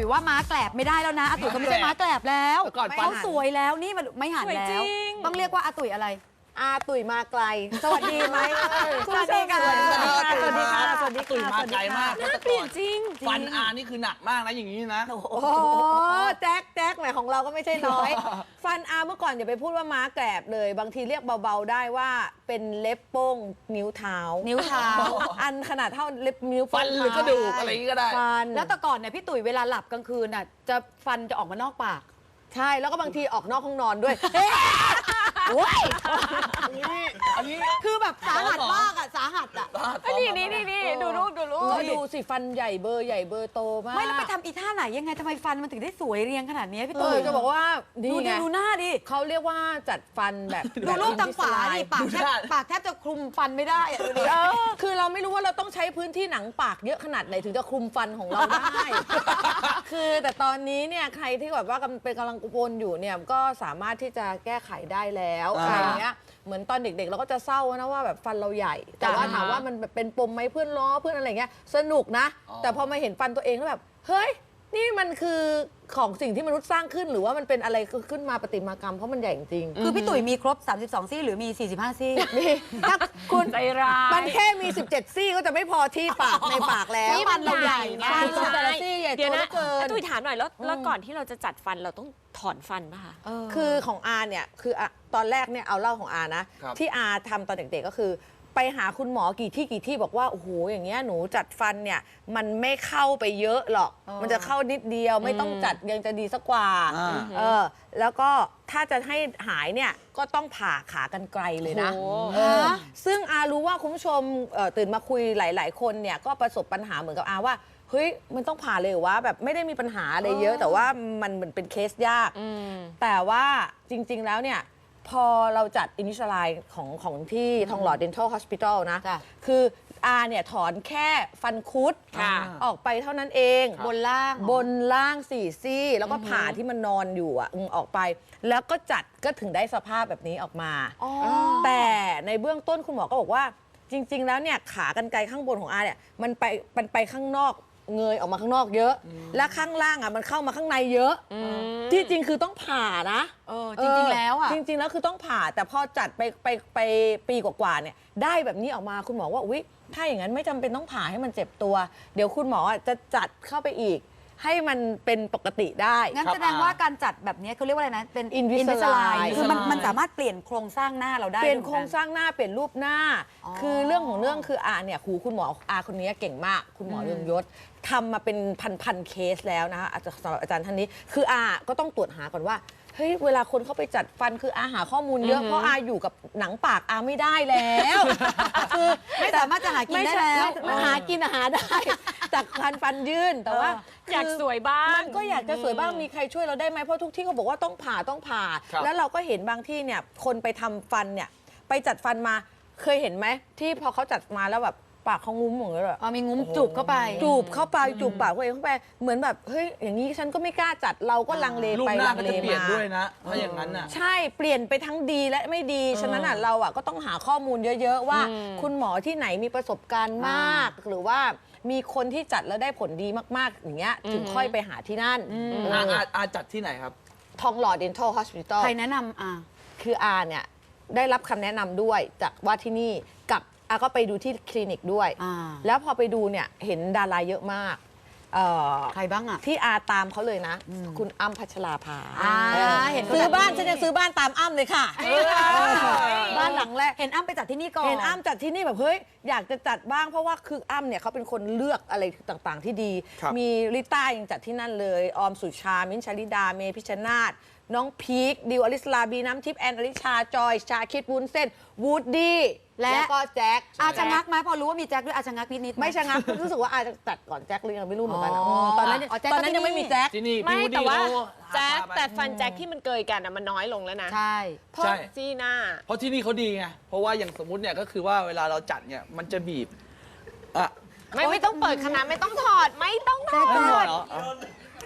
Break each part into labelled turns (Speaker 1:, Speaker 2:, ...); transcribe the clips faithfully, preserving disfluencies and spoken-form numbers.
Speaker 1: ว่าม้าแกลบไม่ได้แล้วนะอาตุ๋ยเขาไม่ใช่ม้าแกลบแล้วเขาสวยแล้วนี่มันไม่หันแล้วต้องเรียกว่าอาตุ๋ยอะไร
Speaker 2: อาตุ๋ยมาไกลสวัสดีไหม
Speaker 1: สวัสดีค่ะ
Speaker 2: สวัสดีค่ะสวัสดีค่ะ
Speaker 3: ตุ๋ยมาไกลมาก
Speaker 4: น่าเปลี่ยนจริง
Speaker 3: ฟันอานี่คือหนักมากนะอย่างนี้นะ
Speaker 2: โอ้โหแจ็คแจ็คแหมของเราก็ไม่ใช่น้อยฟันอาเมื่อก่อนอย่าไปพูดว่าม้าแกลบเลยบางทีเรียกเบาๆได้ว่าเป็นเล็บโป้งนิ้วเท้า
Speaker 1: นิ้วเท้า
Speaker 2: อันขนาดเท่าเล็บนิ้ว
Speaker 3: ฟันหรือกระดูกอะไรก็ได้
Speaker 2: ฟัน
Speaker 1: แล้วแต่ก่อนเนี่ยพี่ตุ๋ยเวลาหลับกลางคืนน่ะจะฟันจะออกมานอกปาก
Speaker 2: ใช่แล้วก็บางทีออกนอกห้องนอนด้วยโอ้ย
Speaker 3: อันนี้
Speaker 1: คือแบบสาหัสมากอะสาหัสอะ
Speaker 4: นี่นี่นี่นี่ดูรูปดูรูป
Speaker 2: ก็ดูสิฟันใหญ่เบอร์ใหญ่เบอร์โตมาก
Speaker 1: ไม่แล้วไปทำอีท่าไหนยังไงทำไมฟันมันถึงได้สวยเรียงขนาดนี้พี่ตุ๋ย
Speaker 2: จะบอกว่า
Speaker 1: ดูดิดูหน้าดิ
Speaker 2: เขาเรียกว่าจัดฟันแบบ
Speaker 1: ดูรูปทางขวาดิปากแทบปากแทบจะคลุมฟันไม่ได้อะดูดิ
Speaker 2: คือเราไม่รู้ว่าเราต้องใช้พื้นที่หนังปากเยอะขนาดไหนถึงจะคลุมฟันของเราได้คือแต่ตอนนี้เนี่ยใครที่แบบว่าเป็นกำลังวนอยู่เนี่ยก็สามารถที่จะแก้ไขได้แล้วอะไรอย่างเงี้ยเหมือนตอนเด็กๆเราก็จะเศร้านะว่าแบบฟันเราใหญ่แต่ว่าถามว่ามันแบบเป็นปมไหมเพื่อนล้อเพื่อนอะไรเงี้ยสนุกนะแต่พอมาเห็นฟันตัวเองแล้วแบบเฮ้ยนี่มันคือของสิ่งที่มนุษย์สร้างขึ้นหรือว่ามันเป็นอะไรขึ้นมาประติมากรรมเพราะมันใหญ่จริง
Speaker 1: คือพี่ตุ๋ยมีครบสามสิบสองซี่หรือมีสี่สิบห้าซี่
Speaker 2: มีถ้าคุณ
Speaker 4: ใจร้าย
Speaker 2: มันแค่มีสิบเจ็ดซี่ก็จะไม่พอที่ปากในปากแล้ว
Speaker 4: นี่มันใหญ่ไง
Speaker 2: แต่ละซี่ใหญ่โตเกิน
Speaker 4: ตุ้ยถามหน่อยแล้วแล้วก่อนที่เราจะจัดฟันเราต้องถอนฟันป่ะคะ
Speaker 2: คือของอาเนี่ยคือตอนแรกเนี่ยเอาเล่าของอานะที่อาทำตอนเด็กๆก็คือไปหาคุณหมอกี่ที่กี่ที่บอกว่าโอ้โหอย่างเงี้ยหนูจัดฟันเนี่ยมันไม่เข้าไปเยอะหรอกมันจะเข้านิดเดียวไม่ต้องจัดยังจะดีสักกว่าเออแล้วก็ถ้าจะให้หายเนี่ยก็ต้องผ่าขากรรไกรเลยนะซึ่งอารู้ว่าคุณผู้ชมตื่นมาคุยหลายๆคนเนี่ยก็ประสบปัญหาเหมือนกับอาว่าเฮ้ยมันต้องผ่าเลยว่าแบบไม่ได้มีปัญหาอะไรเยอะแต่ว่ามันเหมือนเป็นเคสยากแต่ว่าจริงๆแล้วเนี่ยพอเราจัดอินิชไลน์ของของที่ทองหล่อ Dental Hospital นะคืออาเนี่ยถอนแค่ฟันคุดออกไปเท่านั้นเอง
Speaker 1: บนล่าง
Speaker 2: บนล่างสี่ซี่แล้วก็ผ่าที่มันนอนอยู่อ่ะออกไปแล้วก็จัดก็ถึงได้สภาพแบบนี้ออกมาแต่ในเบื้องต้นคุณหมอก็บอกว่าจริงๆแล้วเนี่ยขากรรไกรข้างบนของอาเนี่ยมันไปมันไปข้างนอกเงยออกมาข้างนอกเยอะและข้างล่างอ่ะมันเข้ามาข้างในเยอะที่จริงคือต้องผ่านะ
Speaker 1: จริงๆแล้วอ่ะ
Speaker 2: จริงๆแล้วคือต้องผ่าแต่พอจัดไปไปไปปีกว่าๆเนี่ยได้แบบนี้ออกมาคุณหมอว่าอุ๊ยถ้าอย่างนั้นไม่จำเป็นต้องผ่าให้มันเจ็บตัวเดี๋ยวคุณหมอจะจัดเข้าไปอีกให้มันเป็นปกติได้
Speaker 1: งั้นแสดงว่าการจัดแบบนี้เขาเรียกว่าอะไรนะเป็น
Speaker 2: อินวิสไลน์
Speaker 1: คือมันมันสามารถเปลี่ยนโครงสร้างหน้าเราได้
Speaker 2: เปลี่ยนโครงสร้างหน้าเปลี่ยนรูปหน้าคือเรื่องของเรื่องคืออาเนี่ยครูคุณหมออาคนนี้เก่งมากคุณหมอเรืองยศทำมาเป็นพันๆเคสแล้วนะคะสำหรับอาจารย์ท่านนี้คืออาก็ต้องตรวจหาก่อนว่าเฮ้ยเวลาคนเข้าไปจัดฟันคืออาหาข้อมูลเยอะเพราะอาอยู่กับหนังปากอาไม่ได้แล้ว
Speaker 1: คือไม่สามารถจะหากินได้แล้ว
Speaker 2: หากินหาได้จากฟันฟันยื่นแต่ว่า
Speaker 4: อยากสวยบ้าง
Speaker 2: มันก็อยากจะสวยบ้างมีใครช่วยเราได้ไหมเพราะทุกที่เขาบอกว่าต้องผ่าต้องผ่าแล้วเราก็เห็นบางที่เนี่ยคนไปทำฟันเนี่ยไปจัดฟันมาเคยเห็นไหมที่พอเขาจัดมาแล้วแบบปากเขางุ้มเหมือนเลย
Speaker 1: อ๋อมีงุ้มจูบเข้าไป
Speaker 2: จูบเข้าไปจูบปากตัวเองเข้าไปเหมือนแบบเฮ้ยอย่างนี้ฉันก็ไม่กล้าจัดเราก็ลังเลไปลังเลมา
Speaker 3: ด้วยนะถ้าอย่างนั้นน่ะ
Speaker 2: ใช่เปลี่ยนไปทั้งดีและไม่ดีฉะนั้นอ่ะเราอ่ะก็ต้องหาข้อมูลเยอะๆว่าคุณหมอที่ไหนมีประสบการณ์มากหรือว่ามีคนที่จัดแล้วได้ผลดีมากๆอย่างเงี้ยถึงค่อยไปหาที่นั่น
Speaker 3: อาอาจัดที่ไหนครับ
Speaker 2: ทองหล่อ Dental Hospital
Speaker 1: ใครแนะนำอา
Speaker 2: คืออาเนี่ยได้รับคำแนะนำด้วยจากว่าที่นี่กับอาก็ไปดูที่คลินิกด้วยแล้วพอไปดูเนี่ยเห็นดาราเยอะมาก
Speaker 1: ใครบ้างอะ
Speaker 2: ที่อาตามเขาเลยนะคุณอ้ำพัชราภา
Speaker 1: เห็น
Speaker 2: ซื้อบ้านฉันจะซื้อบ้านตามอ้ำเลยค่ะบ้านหลังแรก
Speaker 1: เห็นอ้ำไปจัดที่นี่ก่อน
Speaker 2: เห็นอ้ำจัดที่นี่แบบเฮ้ยอยากจะจัดบ้างเพราะว่าคืออ้ำเนี่ยเขาเป็นคนเลือกอะไรต่างๆที่ดีมีลิต้ายังจัดที่นั่นเลยออมสุชามิ้นชลิดาเมพิชนาธน้องพีคดิวอลิสลาบีน้ำทิพย์แอนอลิชาจอยชาคิดวุ้นเส้นวูดดี้และก็แจ็ค
Speaker 1: อาชะงักไหมพอรู้ว่ามีแจ็คด้วยอาชะงักนิดๆ
Speaker 2: ไม่ชะงักรู้สึกว่าอาจะจัดก่อนแจ็คเลยไม่รู้เหมือนกันตอนนั้นตอนนั้นยังไม่มีแจ็ค
Speaker 4: ไม่แต่ว่าแจ็คแต่ฟันแจ็คที่มันเกยกันมันน้อยลงแล้วนะ
Speaker 1: ใช่
Speaker 4: เพราะที่หน้า
Speaker 3: เพราะที่นี่เขาดีไงเพราะว่าอย่างสมมติเนี่ยก็คือว่าเวลาเราจัดเนี่ยมันจะบีบอ่ะ
Speaker 4: ไม่ไม่ต้องเปิดขนาดไม่ต้องถอดไม่ต้องถอด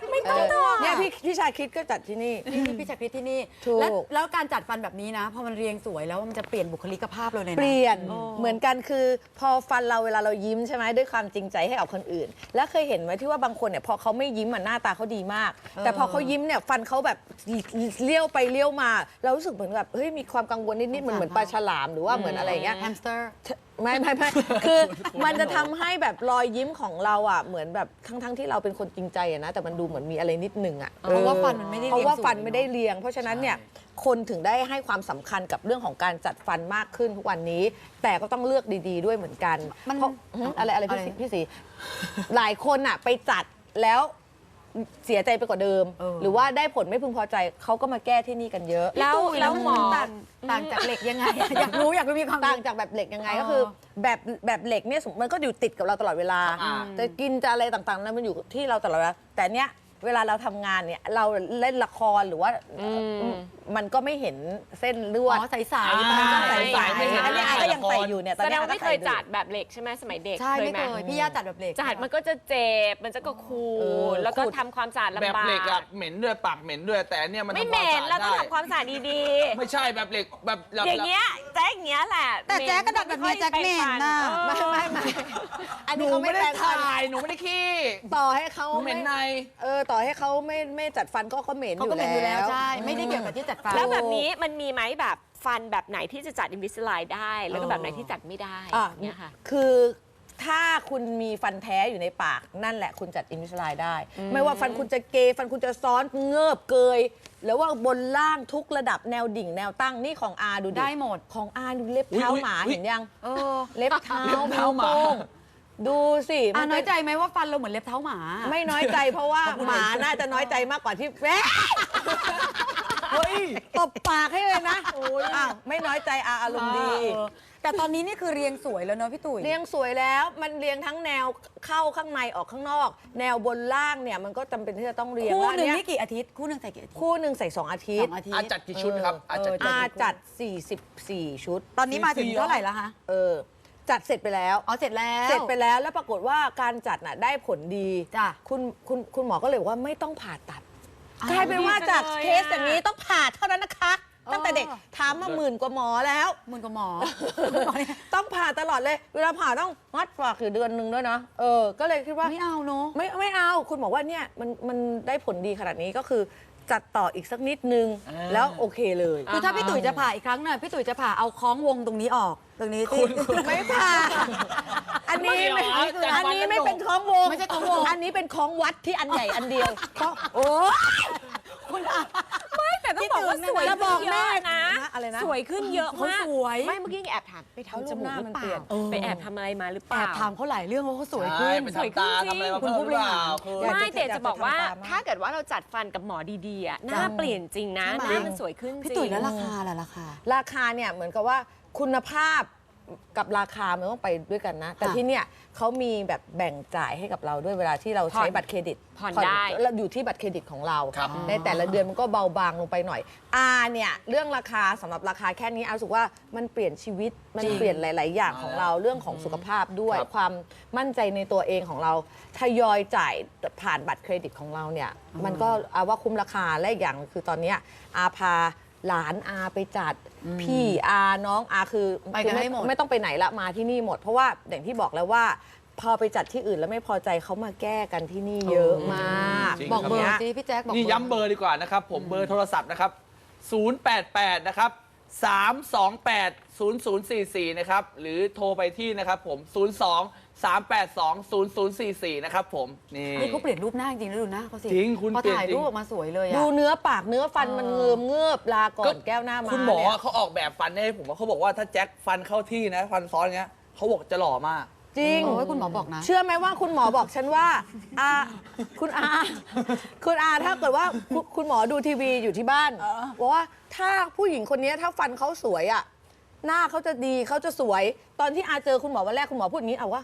Speaker 1: ไม่ต้อง
Speaker 2: เออเนี่ย
Speaker 1: พี่
Speaker 2: พี่พี่ชาคิดก็จัดที่นี่
Speaker 1: พี่พี่จักรพิษที่นี่
Speaker 2: ถูก
Speaker 1: แล้วแล้วการจัดฟันแบบนี้นะพอมันเรียงสวยแล้วมันจะเปลี่ยนบุคลิกภาพเลยนะ
Speaker 2: เปลี่ยนเหมือนกันคือพอฟันเราเวลาเรายิ้มใช่ไหมด้วยความจริงใจให้กับคนอื่น แล้วเคยเห็นไหมที่ว่าบางคนเนี่ยพอเขาไม่ยิ้มอ่ะหน้าตาเขาดีมาก แต่พอเขายิ้มเนี่ยฟันเขาแบบเลี้ยวไปเลี้ยวมา เรารู้สึกเหมือนแบบเฮ้ยมีความกังวลนิดๆเหมือนเหมือนปลาฉลามหรือว่าเหมือนอะไรอย่างเงี้ย
Speaker 1: แฮมสเตอร์
Speaker 2: ไม่ไม่ไม่ คือมันจะทำให้แบบรอยยิ้มของเราอ่ะเหมือนแบบทั้งทั้งที่เราเป็นคนจริงใจอะนะแต่มันดูเหมือนมีอะไรนิดนึงอ่ะ
Speaker 1: เพราะว่าฟันมันไม่ได้เรียง
Speaker 2: เพราะว่าฟัน
Speaker 1: สวย
Speaker 2: ไม่ได้เรียง เพราะฉะนั้นเนี่ยคนถึงได้ให้ความสำคัญกับเรื่องของการจัดฟันมากขึ้นทุกวันนี้ แต่ก็ต้องเลือกดีๆด้วยเหมือนกัน
Speaker 1: มัน
Speaker 2: เพราะหึอะไรอะไรพี่
Speaker 1: อะไร
Speaker 2: สีพี่สีหลายคนอ่ะไปจัดแล้วเสียใจไปกว่าเดิม
Speaker 1: เออ
Speaker 2: หรือว่าได้ผลไม่พึงพอใจเขาก็มาแก้ที่นี่กันเยอะ
Speaker 4: แล้ว
Speaker 1: พี่ตุ้ย
Speaker 4: แล้วหมอ
Speaker 1: ต่างต่างจากเหล็กยังไง อยากรู้อยากรู้มีความ
Speaker 2: ต่าง
Speaker 1: รู้
Speaker 2: จากแบบเหล็กยังไง
Speaker 1: อ๋อ
Speaker 2: ก็คือแบบแบบเหล็กเนี่ยสมมุติมันก็อยู่ติดกับเราตลอดเวลา
Speaker 3: อ่า
Speaker 2: จะกินจะอะไรต่างๆนั้นมันอยู่ที่เราตลอดเวลาแต่เนี้ยเวลาเราทำงานเนี่ยเราเล่นละครหรือว่ามันก็ไม่เห็นเส้นลวด
Speaker 1: อ๋อใส
Speaker 3: อ่า
Speaker 1: ๆมันก็ใส
Speaker 2: ใส
Speaker 1: ๆ
Speaker 2: ๆอันนี้อาก็ยังใส่อยู่เนี่ยตอน
Speaker 4: แสด
Speaker 2: นี้
Speaker 4: ง
Speaker 2: อา
Speaker 4: ว่าไม่
Speaker 2: ก็
Speaker 4: เค
Speaker 2: ใส่
Speaker 4: ยจัดแบบเหล็กใช่ไหมสมัยเด็ก
Speaker 1: ใช่ไม่
Speaker 4: ไหม
Speaker 1: เคยพี่ย่าจัดแบบเหล็ก
Speaker 4: จัดมันก็จะเจ็บมันจะก็คู
Speaker 2: เออ
Speaker 4: แล้วก็
Speaker 2: ขูด
Speaker 4: ทำความสะอาด
Speaker 3: แบบ
Speaker 4: ลำบาก
Speaker 3: เหล็กอะเหม็นด้วยปากเหม็นด้วยแต่อันเนี่ยมัน
Speaker 4: ไม่
Speaker 3: ทำ
Speaker 4: เหม็น
Speaker 3: ควา
Speaker 4: เรา
Speaker 3: สะอาด
Speaker 4: ต้อง
Speaker 3: ได้
Speaker 4: ทำความสะอาดดี
Speaker 3: ไม่ใช่แบบเหล็กแบบแบบ
Speaker 4: ๆ อย่างเงี้ยแจ๊กอย่างเงี้ยแหละ
Speaker 1: แต่แจ๊กก็ดัดแบบนี้แจ๊กเหม็นน่ะ
Speaker 2: ไม่ไม่ไม่อัน
Speaker 3: ห
Speaker 2: นี้
Speaker 3: นู
Speaker 2: เขาไม่
Speaker 3: ไม่ได้
Speaker 2: แปรงฟัน
Speaker 3: ถ่ายหนูไม่ได้ขี้
Speaker 2: ต่อให้เขา
Speaker 3: หนูเหม็นใน
Speaker 2: เออต่อให้เขาไม่ไม่จัดฟันก็เขาเหม็นอ
Speaker 1: เขา
Speaker 2: ยู่
Speaker 1: ก็เป็นอยู่แล้ว
Speaker 2: แล้ว
Speaker 1: ใช่ ไม่ได้เกี่ยวกับที่จัดฟัน
Speaker 4: แล้วแบบนี้มันมีไหมแบบฟันแบบไหนที่จะจัดอินวิสไลด์ได้ แล้วก็แบบไหนที่จัดไม่ได้
Speaker 2: อ่ะ
Speaker 4: เนี่ยค่ะ
Speaker 2: คือถ้าคุณมีฟันแท้อยู่ในปากนั่นแหละคุณจัดอินวิสไลได้ ไม่ว่าฟันคุณจะเกยฟันคุณจะซ้อนเงือบเกยหรือว่าบนล่างทุกระดับแนวดิ่งแนวตั้งนี่ของอาดู
Speaker 1: ได้หมด
Speaker 2: ของอาดูเล็บเท้า
Speaker 3: อุ๊ย
Speaker 2: หมา
Speaker 3: อุ๊ย
Speaker 2: เห็นยัง
Speaker 1: เออ
Speaker 2: เล็บเท้า
Speaker 3: เล็บเท้าหมา
Speaker 2: นิ้วโป้งดูสิ
Speaker 1: อ่ะ
Speaker 2: มั
Speaker 1: น้อย
Speaker 2: เป็
Speaker 1: ใจไหมว่าฟันเราเหมือนเล็บเท้าหมา
Speaker 2: ไม่น้อยใจเพราะว่าหมาน่าจะน้อยใจมากกว่าที่แม่เฮ้ยตบปากให้เลยนะอ้าวไม่น้อยใจอาอารมณ์ดี
Speaker 1: เออแต่ตอนนี้นี่คือเรียงสวยแล้วเนอะพี่ตุ๋ย
Speaker 2: เรียงสวยแล้วมันเรียงทั้งแนวเข้าข้างในออกข้างนอก แนวบนล่างเนี่ยมันก็จำเป็นที่จะต้องเรียง
Speaker 1: คู่
Speaker 2: ว่า
Speaker 1: หนึ่ง
Speaker 2: เย
Speaker 1: นี่กี่อาทิตย์คู่หนึ่งใส่กี่อาทิตย์
Speaker 2: คู่หนึ่งใส่สองอาทิ
Speaker 1: ส
Speaker 2: ต
Speaker 1: อ
Speaker 2: ย์
Speaker 1: งอาทิต
Speaker 3: อา
Speaker 1: ย์
Speaker 3: จัดกี่ชุดครับอาจัด
Speaker 1: เออ
Speaker 2: อาจัดสี่สิบสี่ชุด
Speaker 1: ตอนนี้มาถึงเท่าไหร่แล้วคะ
Speaker 2: เออจัดเสร็จไปแล้ว
Speaker 1: อ๋อเสร็จแล้ว
Speaker 2: เสร็จไปแล้วแล้วปรากฏว่าการจัดน่ะได้ผลดี
Speaker 1: จ้ะ
Speaker 2: คุณคุณคุณหมอก็เลยบอกว่าไม่ต้องผ่าตัด
Speaker 1: อ้าว
Speaker 2: กลายเป็นว่าจาก
Speaker 4: ดีจังเลย
Speaker 2: เคสอย่างนี้ต้องผ่าเท่านั้นนะคะ
Speaker 1: เออ
Speaker 2: ตั้งแต่เด็กถามมาหมื่นกว่าหมอแล้ว
Speaker 1: หมื่นกว่าหมอ
Speaker 2: ต้องผ่าตลอดเลย เวลาผ่าต้องมัดปากอยู่เดือนหนึ่งด้วยนะเออก็เลยคิดว่า
Speaker 1: ไม่เอาเนอะ
Speaker 2: ไม่ไม่เอาคุณบอกว่าเนี่ยมันมันได้ผลดีขนาดนี้ก็คือจัดต่ออีกสักนิดนึง
Speaker 3: อ่า
Speaker 2: แล้วโอเคเลย
Speaker 1: คือถ้าพี่ตุ๋ยจะผ่าอีกครั้งหน่อยพี่ตุ๋ยจะผ่าเอาคล้องวงตรงนี้ออก ตรงนี้ที่
Speaker 2: ไม่ผ่าอันนี้ไม่
Speaker 3: ไม่เอา
Speaker 2: อันนี้ไม่เป็นคล้องวง
Speaker 1: ไม่ใช่คล้องวง
Speaker 2: อันนี้เป็นคล้องวัดที่อันใหญ่อันเดียวคล้องโอ้
Speaker 1: คุณอา
Speaker 4: ไม่แต่ต้องบอกว่าสวย
Speaker 2: จะบอกแม่
Speaker 4: ขึ้นเยอะนะ
Speaker 2: อะไรนะ
Speaker 4: สวยขึ้นเยอะ
Speaker 1: เขา
Speaker 4: มาก
Speaker 1: สวย
Speaker 4: ไม่เมื่อกี้แอบถามไป
Speaker 2: เขา
Speaker 4: ทำจมูกหรือเป
Speaker 2: หน้ามันเปลี่
Speaker 4: ล่าย
Speaker 2: น
Speaker 4: ไปแอบทำอะไรมาหรือเป
Speaker 1: แอ
Speaker 4: ล่า
Speaker 1: บถามเขาหลายเรื่องว่าเขาสวย
Speaker 3: ใช่
Speaker 1: ขึ้น
Speaker 3: ไป
Speaker 4: สวยขึ้น
Speaker 3: ทำตา
Speaker 4: จริง
Speaker 3: ทำอะไรมา
Speaker 1: คุณ
Speaker 3: เพิ่ม
Speaker 1: ผู้
Speaker 3: ห
Speaker 1: บ
Speaker 3: รือ
Speaker 1: ริ
Speaker 3: เป
Speaker 1: หา
Speaker 3: ล่าร คือ
Speaker 2: อยาก
Speaker 4: ไม่
Speaker 2: จะ
Speaker 4: แต่จะบอกว่า
Speaker 2: อยากจะทำตามมาก
Speaker 4: ถ้าเกิดว่าเราจัดฟันกับหมอดีๆอะหน้าเปลี่ยนจริงนะ
Speaker 1: ใช่ไหม
Speaker 4: หน้ามันสวยขึ้นจริง
Speaker 1: พี่ตุ๋ยแล้วราคาล่ะราคา
Speaker 2: ราคาเนี่ยเหมือนกับว่าคุณภาพกับราคามันต้องไปด้วยกันนะ แต่
Speaker 1: ค่ะ
Speaker 2: ที่เนี่ยเขามีแบบแบ่งจ่ายให้กับเราด้วยเวลาที่เราใช้
Speaker 4: ผ่อน
Speaker 2: บัตรเครดิต
Speaker 4: ผ่อนได้
Speaker 2: แล้วอยู่ที่บัตรเครดิตของเรา
Speaker 3: ครับ
Speaker 2: ในแต่ละเดือนมันก็เบาบางลงไปหน่อยอาเนี่ยเรื่องราคาสำหรับราคาแค่นี้อารู้สึกว่ามันเปลี่ยนชีวิตมัน
Speaker 1: จริง
Speaker 2: เปลี่ยนหลาย ๆ อย่างของเราเรื่องของสุขภาพด้วย
Speaker 3: ครับ
Speaker 2: ความมั่นใจในตัวเองของเราทยอยจ่ายผ่านบัตรเครดิตของเราเนี่ยมันก็อาว่าคุ้มราคาและอีกอย่างคือตอนเนี้ยอาพาหลานอาไปจัดพี่อาน้องอาคือ
Speaker 1: ไปกัน
Speaker 2: คือ
Speaker 1: ให้หมด
Speaker 2: ไม่ต้องไปไหนละมาที่นี่หมด เพราะว่าอย่างที่บอกแล้วว่า พอไปจัดที่อื่นแล้วไม่พอใจเขามาแก้กันที่นี่เยอะมาก
Speaker 3: จริง
Speaker 1: บอกเบอร์
Speaker 2: นี่ย
Speaker 1: สิพี่แจ๊คบอก
Speaker 3: นี่
Speaker 1: เบอร์
Speaker 3: ย้ำเบอร์ดีกว่านะครับ ผมเบอร์โทรศัพท์นะครับ ศูนย์ แปด แปด นะครับ สาม สอง แปด ศูนย์ ศูนย์ สี่ สี่ นะครับ หรือโทรไปที่นะครับผม ศูนย์ สอง สาม แปด สอง ศูนย์ ศูนย์ สี่ สี่ นะครับผม นี่
Speaker 1: นี่เขาเปลี่ยนรูปหน้าจริงๆแล้วดูหน้าเขาสิ
Speaker 3: จริงคุณ
Speaker 1: พอ
Speaker 3: เปลี่ยน
Speaker 1: ถ่าย
Speaker 3: จริง
Speaker 1: รูปออกมาสวยเลย
Speaker 2: ดู
Speaker 1: อะ
Speaker 2: เนื้อปากเนื้อฟัน
Speaker 1: เออ
Speaker 2: มันเงิมเงือบลาก่อนแก้วหน้ามา
Speaker 3: คุณหมอ
Speaker 2: เนี่ย
Speaker 3: เขาออกแบบฟันให้ผมว่าเขาบอกว่าถ้าแจ็คฟันเข้าที่นะ ฟันซ้อนเงี้ยเขาบอกจะหล่อมาก
Speaker 2: จริง
Speaker 1: โอ้ยคุณหมอบอกนะ
Speaker 2: เชื่อไหมว่าคุณหมอบอกฉันว่าอาคุณอาคุณอาถ้าเกิดว่าคุณคุณหมอดูทีวีอยู่ที่บ้านบอกว่าถ้าผู้หญิงคนนี้ถ้าฟันเขาสวยอ่ะหน้าเขาจะดีเขาจะสวย ตอนที่อาเจอคุณหมอวันแรกคุณหมอพูดอย่างนี้เอาว่า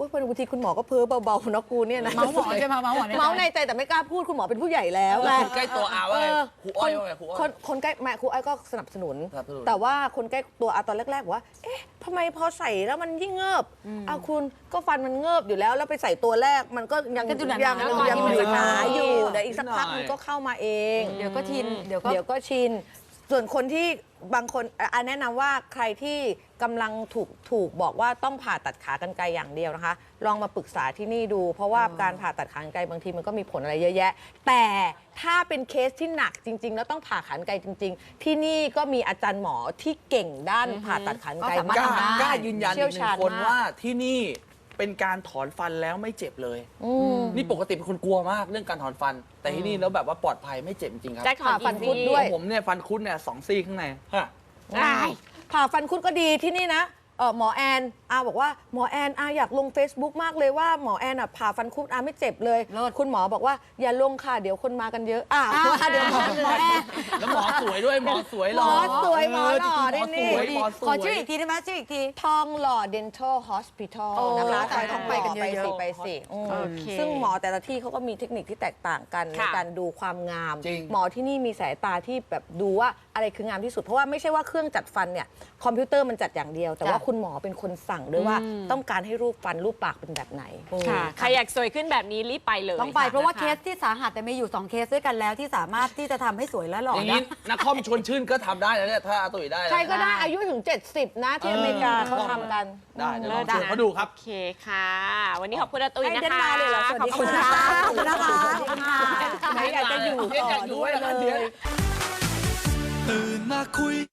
Speaker 2: อุ๊ยบางทีคุณหมอก็เพ้อเบาๆนะกูเนี่ยนะ
Speaker 1: เมาส์หมอใช่ไหมเมาส์หมอในใจ
Speaker 2: เมาส์ในใจแต่ไม่กล้าพูดคุณหมอเป็นผู้ใหญ่แล้ว
Speaker 3: แล้ว
Speaker 2: ไง
Speaker 3: คนใกล้ตัวอาว่าไง
Speaker 2: เออ
Speaker 3: ครูอ้อยว่าไงครูอ้อย
Speaker 2: คนคนใกล้แม่ครูอ้อยก็สนับสนุน
Speaker 3: สนับสนุน
Speaker 2: แต่ว่าคนใกล้ตัวอาตอนแรกๆบอกว่า เอ๊ะทำไมพอใส่แล้วมันยิ่งเงิบเอาคุณก็ฟันมันเงิบอยู่แล้ว แล้วไปใส่ตัวแรกมันก็ยัง
Speaker 1: ก็ดูหนาๆ
Speaker 2: ยัง
Speaker 1: แล้ว
Speaker 2: ยัง
Speaker 1: ก่อนที่มันจะ
Speaker 2: หนา
Speaker 1: หาย
Speaker 2: อยู่เดี๋ยวอีกสักพักมันก็เข้ามาเอง
Speaker 1: เดี๋ยวก็ชินเดี๋ยวก็
Speaker 2: เดี๋ยวก็ชิน ส่วนคนที่บางคนอ่ะแนะนำว่าใครที่กำลังถูกถูกบอกว่าต้องผ่าตัดขากรรไกรอย่างเดียวนะคะ ลองมาปรึกษาที่นี่ดู เพราะว่าการผ่าตัดขากรรไกรบางทีมันก็มีผลอะไรเยอะแยะ แต่ถ้าเป็นเคสที่หนักจริง ๆ แล้วต้องผ่าขากรรไกรจริง ๆ ที่นี่ก็มีอาจารย์หมอที่เก่งด้านผ่าตัดขากรรไกร
Speaker 1: ก็สามารถ
Speaker 3: กล้า
Speaker 1: ทำได้
Speaker 3: กล้ายืนยันอี
Speaker 2: เชี่ยว
Speaker 3: กหนึ่
Speaker 2: ชาง ญ
Speaker 3: คน
Speaker 2: มาก
Speaker 3: ว่าที่นี่เป็นการถอนฟันแล้วไม่เจ็บเลย นี่ปกติเป็นคนกลัวมากเรื่องการถอนฟัน แต่ที่นี่แล้วแบบว่าปลอดภัยไม่เจ็บจริงๆครับ
Speaker 4: แจ็คถอน
Speaker 2: ผ่าฟัน
Speaker 4: กี่
Speaker 2: คุด
Speaker 4: ซี่
Speaker 2: ด้วย
Speaker 3: ของผมเนี่ยฟันคุดเนี่ยสองซี่ข้างในฮะ
Speaker 4: ได้
Speaker 2: ผ่าฟันคุดก็ดีที่นี่นะเออหมอแอนอาบอกว่าหมอแอนอาอยากลง Facebook มากเลยว่าหมอแอนอ่ะผ่าฟันคุดอาไม่เจ็บเลย
Speaker 1: เลิศ
Speaker 2: คุณหมอบอกว่าอย่าลงค่ะเดี๋ยวคนมากันเยอะอ้าว
Speaker 1: อ้าว
Speaker 2: เดี๋ยวหมอ
Speaker 1: หมอแอน
Speaker 3: แล้วหมอสวยด้วยหมอสวยหล่อ
Speaker 2: หมอสวยหมอหล่อ
Speaker 3: เจริงๆ
Speaker 2: นี่
Speaker 3: หมอสวยหมอสวย
Speaker 1: ขอชื่ออีกทีได้ไหมชื่ออีกที
Speaker 2: ทองหล่อ Dental Hospital
Speaker 1: โอ้
Speaker 2: นะคะ
Speaker 1: ตายต้องไปกันเยอะๆ
Speaker 2: ไปสิอืม
Speaker 1: โอเค
Speaker 2: ซึ่งหมอแต่ละที่เขาก็มีเทคนิคที่แตกต่างกันใน
Speaker 4: ค่ะ
Speaker 2: การดูความงาม
Speaker 3: จริง
Speaker 2: หมอที่นี่มีสายตาที่แบบดูว่าอะไรคืองามที่สุด เพราะว่าไม่ใช่ว่าเครื่องจัดฟันเนี่ยคอมพิวเตอร์มันจัดอย่างเดียว แต่ว่า
Speaker 1: จ้ะ
Speaker 2: คุณหมอเป็นคนสั่งด้วยว่าต้องการให้รูปฟันรูปปากเป็นแบบไหน
Speaker 4: ค่ะ ใครอยากสวยขึ้นแบบนี้รีบไปเลย
Speaker 1: ต้องไปเพราะว่า
Speaker 4: ค
Speaker 1: เคสที่สาหัสแต่มีอยู่สองเคสด้วยกันแล้วที่สามารถที่จะทำให้สวยและหล่อ
Speaker 3: อย่าง
Speaker 1: ได้
Speaker 3: นี้นักคอมชวนชื่นก็ทำได้แล้วเนี่ยถ้าอาตุ๋ยได้แล้ว
Speaker 2: ใครก็ได้อายุถึง เจ็ดสิบ นะที่อเมริกาเขาทำกัน
Speaker 3: ได้เดี๋ยวลอง
Speaker 4: เลิศ
Speaker 3: ชวน
Speaker 4: นะ
Speaker 3: เขาดูครับ
Speaker 4: โอเคค่ะ วันนี้ขอบคุณอาตุ้ย
Speaker 2: ให้
Speaker 4: นะ
Speaker 2: เดน
Speaker 4: คะ
Speaker 2: มาร์กเลยเหรอสวัสดี
Speaker 4: ขอบคุณ
Speaker 2: ค่ะ
Speaker 4: ค่ะ
Speaker 1: ขอบคุณนะคะ
Speaker 2: ไหนอยากจะอยู่
Speaker 3: เรียกอยากอยู่ไว้แล้วกันเดี๋ยว
Speaker 5: ตื่นมาคุย